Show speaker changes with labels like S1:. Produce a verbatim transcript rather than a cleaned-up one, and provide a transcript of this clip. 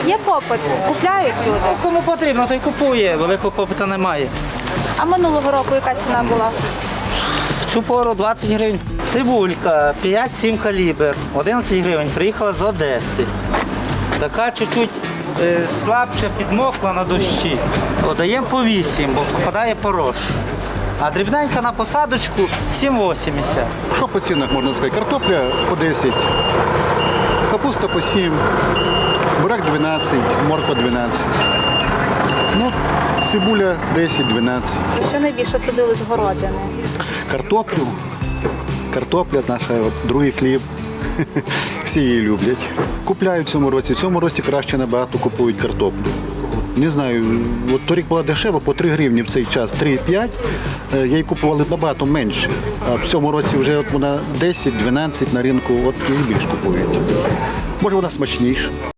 S1: Є попит, купляють люди.
S2: Ну, кому потрібно, той купує, великого попиту немає.
S1: А минулого року яка ціна була?
S2: В цю пору двадцять гривень. Цибулька п'ять-сім калібр, одинадцять гривень, приїхала з Одеси. Така чуть-чуть е, слабше підмокла на дощі. О, даємо по вісім, бо попадає порош. А дрібненька на посадочку сім вісімдесят.
S3: Що по цінах можна сказати? Картопля по десять, капуста по сім, бурак дванадцять, морква дванадцять. Ну, цибуля десять-дванадцять.
S1: Що найбільше садили з городини?
S3: Картоплю. Картопля наша, от, другий хліб. Всі її люблять. Купляють в цьому році. В цьому році краще набагато купують картоплю. Не знаю, от торік була дешева, по три гривні в цей час, три-п'ять. Я її купували набагато менше. А в цьому році вже от вона десять-дванадцять на ринку, от її більш купують. Може вона смачніша.